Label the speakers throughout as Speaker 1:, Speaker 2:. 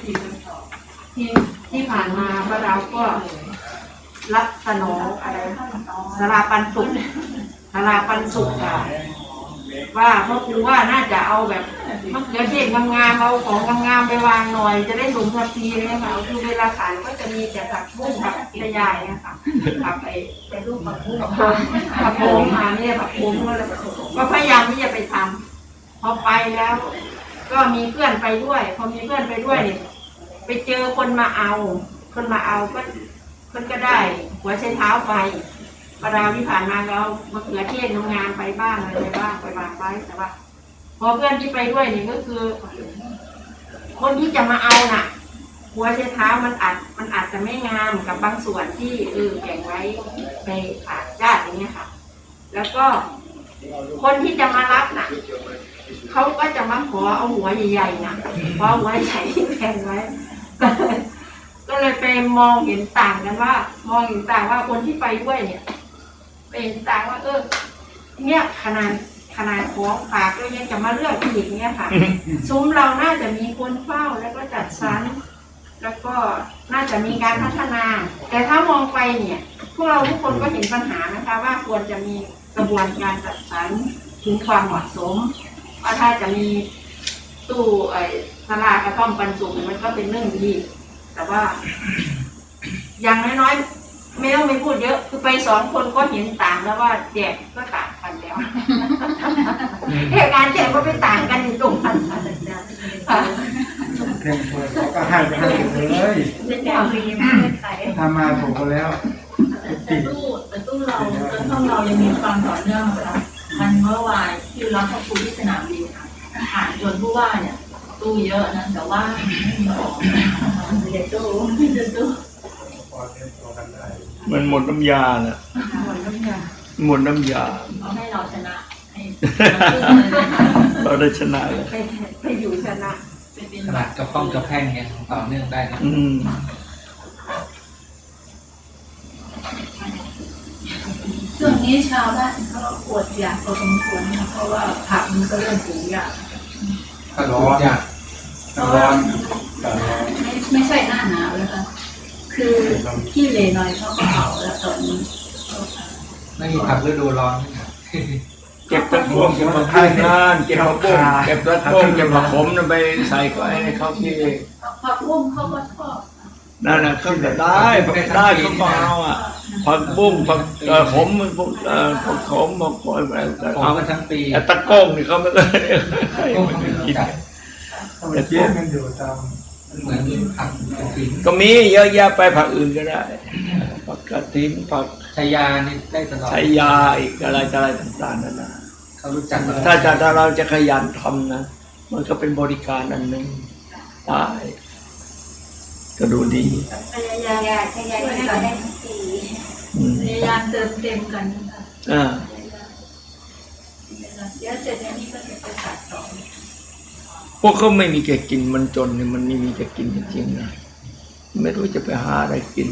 Speaker 1: ที่ที่ผ่านมาพระเราก็รับสนองอะไรสลาปันสุขสลาปันสุขค่ะว่าเพราะครูว่าน่าจะเอาแบบมะเขือเทศงามๆเอาของงามๆไปวางหน่อยจะได้สมทัพทีเลยค่ะคือเวลาขายก็จะมีแต่ผักบุ้งผักกระยายนะคะผักไปรูปผักบุ้งผักโขมมาเนี่ยผักโขมก็พยายามที่จะไปทำพอไปแล้ว ก็มีเพื่อนไปด้วยพอมีเพื่อนไปด้วยเนี่ยไปเจอคนมาเอาก็คนก็ได้หัวใช้เท้าไปประดาวที่ผ่านมาเรามะเขือเทศงานไปบ้างอะไรไปบ้างไปวางไว้แต่ว่าพอเพื่อนที่ไปด้วยนี่ก็คือ คนที่จะมาเอาน่ะ หัวใช้เท้ามันอาจจะไม่งามกับบางส่วนที่แบ่งไว้ในฝากญาติอย่างเงี้ยค่ะ แล้วก็คนที่จะมารับน่ะเขาก็จะมาขอเอาหัวใหญ่ๆน่ะเพราะหัวใหญ่ที่แบ่งไว้ก็เลยไปมองเห็นต่างกันว่ามองเห็นต่างว่าคนที่ไปด้วยเนี่ยเป็นต่างว่าเนี่ยขนาดของฝากก็ยังจะมาเลือกอีกเนี่ยค่ะ ซุ้มเราน่าจะมีคนเฝ้าแล้วก็จัดสรรแล้วก็น่าจะมีการพัฒนา แต่ถ้ามองไปเนี่ยพวกเราทุกคนก็เห็นปัญหานะคะว่าควรจะมีกระบวนการจัดสรรถึงความเหมาะสมว่าถ้าจะมีตู้สลากระท่อมปันสุกมันก็เป็นเรื่องดีแต่ว่าอย่างน้อยๆไม่ต้องไปพูดเยอะคือไป2 คนก็เห็นต่างแล้วว่าแจกก็ต่างกันแล้วเหตุการณ์แจกก็ไปต่างกันอยู่ตรงนั้นค่ะ
Speaker 2: เพียงพอเขาก็ให้ไปให้เลย
Speaker 1: เป็นแจกฟรีไม่ได้ขาย
Speaker 2: ทำมาถูกแล้ว
Speaker 3: แต่ตู้เราห้องเรายังมีความต่อเนื่องนะคะมันเมื่อวานที่รับพระครูที่สนามบินค่ะผ่านจนผู้ว่าเนี่ยตู้เยอะนะแต่ว่าไม่มีของเดี๋ยวตู้
Speaker 4: มันหมดน้ำยาน่ะหมดน้ำยา
Speaker 3: เขาให้เราชนะ
Speaker 4: เราได้ชนะเลย
Speaker 1: ไปอยู่ชนะ
Speaker 5: ขนาดกระป้องกระแพงเนี่ยต่อเนื่องได้นะ
Speaker 3: ช่วงนี้ชาวบ้านเขาอดอยากพอสมควรนะเพราะว่าผักมันก็เริ่มปลูกยาก
Speaker 5: ก็ร้อนยาก
Speaker 2: ร้อน
Speaker 3: ไม่ใช่หน้าหนาวเลยค่ะคือที่เลน้อยเขาก็เผาแล้วตอนนี้
Speaker 5: ไม่มีผักฤดูร้อน
Speaker 4: เก็บตะพวงเก็บมะพร้าวงานเก็บมะบุ้งเก็บตะพวงเก็บมะขมนั่นไปใส่ไว้ให้เขาที่
Speaker 3: ผักบุ้งเขาก็ชอบ
Speaker 4: นั่นน่ะเขาจะได้เขาเอาอ่ะผักบุ้งผักขมพวกผักขมผักกอยอะไร
Speaker 5: เอามาทั้งปี
Speaker 4: แต่ตะก้งนี่เขาไม่ได้กิน
Speaker 2: แต่เจี๊ยบมันอยู่ตาม
Speaker 5: เหมือนผักกระถิ่น
Speaker 4: ก็มีเยอะแยะไปผักอื่นก็ได้ผักกระถิ่นผัก
Speaker 5: ชายานี่ได้ตลอด
Speaker 4: ชายาอีกอะไรต่างๆนั่นนะ
Speaker 5: เขารู้จัก
Speaker 4: ถ้าเราจะขยันทำนะมันก็เป็นบริการอันหนึ่งได้ก็ดูดี
Speaker 3: พยายามให้กันได้ทั้งปีพยายามเติมเต็มกันนะคะเดี๋ยวเสร็จแล้วนี่ก็จะไปตัดต่อ
Speaker 4: พวกเขาไม่มีแก่กินมันจนเนี่ยมันไม่มีแก่กินจริงๆนะไม่รู้จะไปหาอะไรกิน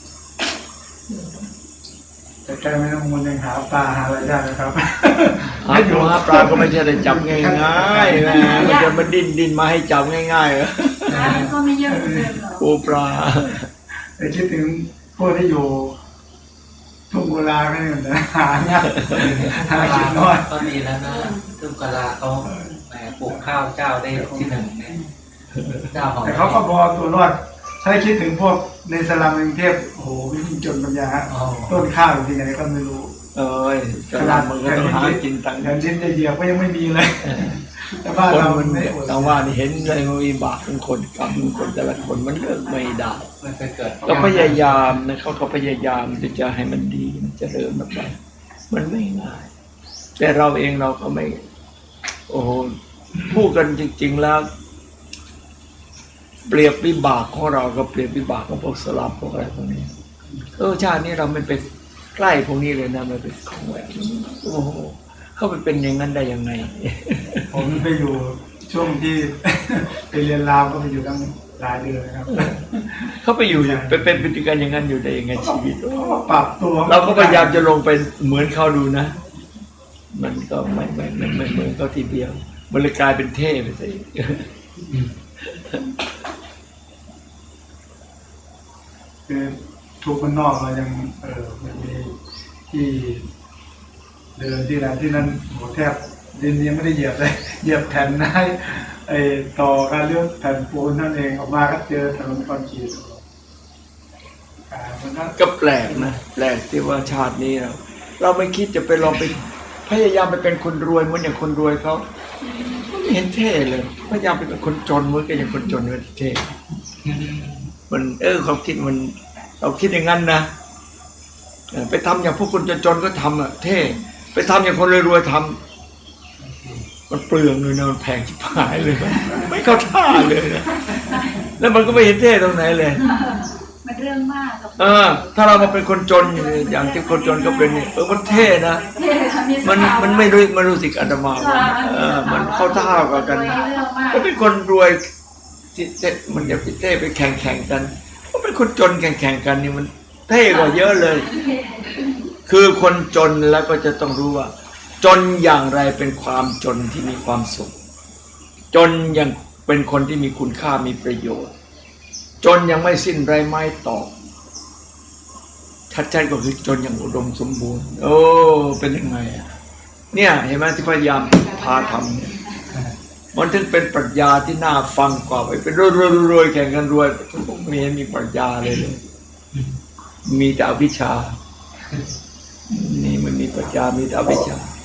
Speaker 2: แต่แกไม่ต้องมันยังหาปลาหาอะไรได้นะครับ
Speaker 4: หาปลาก็ไม่ใช่ได้จับง่ายๆนะมันจะมาดินมาให้จับง่ายๆเหรอ
Speaker 3: ก็ไม่เยอะเลย
Speaker 4: ปูปลา
Speaker 2: แต่คิดถึงพวกที่อยู่ทุ่งกุลาก็เนี่ยนะหายากหาชิ้นน้อย
Speaker 5: ก็ดีแล้วนะทุ่งกุลาเขาแหมปลูกข้าวเจ้าได้ที่1เนี่ยเจ้าของ
Speaker 2: แต่เขาก็พอตัวรอดถ้าคิดถึงพวกในสลัมกรุงเทพโอ้โหวิ่งจนปัญญาต้นข้าวอยู่ที่ไหนก็ไม่รู้
Speaker 4: สลัมมันก็ต้องหากินตังค์
Speaker 2: เงินชิ้นจะเหยียบก็ยังไม่มีเลยแต่ว่าเราไม่
Speaker 4: แต่ว่านี่เห็นเลยมันมีบาปเป็นคนกรรมเป็นคนแต่ละคนมันเลิกไม่ได้
Speaker 5: มันไปเกิด
Speaker 4: ก็พยายามนะเขาก็พยายามที่จะให้มันดีมันเจริญแบบนั้นมันไม่ง่ายแต่เราเองเราก็ไม่โอ้โหพูดกันจริงๆแล้วเปรียบวิบากของเราก็เปรียบวิบากของพวกสลับพวกอะไรพวกนี้ชาตินี้เราไม่ไปใกล้พวกนี้เลยนะไม่เป็นของแหวนโอ้โหเขาไปเป็นอย่างนั้นได้ยังไง
Speaker 2: ผมไปอยู่ช่วงที่ไปเรียนราวก็ไปอยู่ตั้งหลายเดือนนะครับ
Speaker 4: เขาไปอยู่ไปเป็นพฤติกรรมอย่างนั้นอยู่ได้ยังไงชีวิต
Speaker 2: ปรับตัว
Speaker 4: เราก็พยายามจะลงไปเหมือนเขาดูนะมันก็ไม่เหมือนเขาทีเดียวมันเลยกลายเป็นเท่ไปซะ
Speaker 2: คือทุกคนนอกเรายังมันมีที่เดินที่ไหนที่นั่นโหแทบดินยังไม่ได้เหยียบเลยเหยียบแผ่นได้ต่อการเลือกแผ่นปูนนั่นเองออกมาก็เจอถนนคอนกรีตมัน
Speaker 4: ก็แปลกนะแปลกที่ว่าชาตินี้เราไม่คิดจะไปลองไปพยายามไปเป็นคนรวยเหมือนอย่างคนรวยเขาไม่เห็นเท่เลยพยายามไปเป็นคนจนเหมือนกับอย่างคนจนเลยเท่มันความคิดมันเราคิดอย่างนั้นนะไปทำอย่างพวกคนจนๆก็ทำเท่ไปทำอย่างคนรวยๆทำมันเปลืองเลยนะมันแพงชิบหายเลยไม่เข้าท่าเลยนะแล้วมันก็ไม่เห็นเท่ตรงไหนเลย
Speaker 3: มันเรื่องมากกับ
Speaker 4: ถ้าเรามาเป็นคนจนอย่างที่คนจนก็เป็นเนี่ยมันเท่นะมันไม่รู้สึกอาตมามันเข้าท่ากันก็เป็นคนรวยมันอย่าไปเท่ไปแข่งกันก็เป็นคนจนแข่งกันนี่มันเท่กว่าเยอะเลย คือคนจนแล้วก็จะต้องรู้ว่า จนอย่างไรเป็นความจนที่มีความสุขจนอย่างเป็นคนที่มีคุณค่ามีประโยชน์จนยังไม่สิ้นไรไม้ตอกชัดๆก็คือจนอย่างอุดมสมบูรณ์โอ้เป็นยังไงเนี่ยเห็นไหมที่พยายามพาทำเนี่ยมันถึงเป็นปรัชญาที่น่าฟังกว่าไปเป็นรวยแข่งกันรวยไม่เห็นมีปรัชญาเลยมีแต่อวิชชานี่มันมีปรัชญามีแต่อวิชชา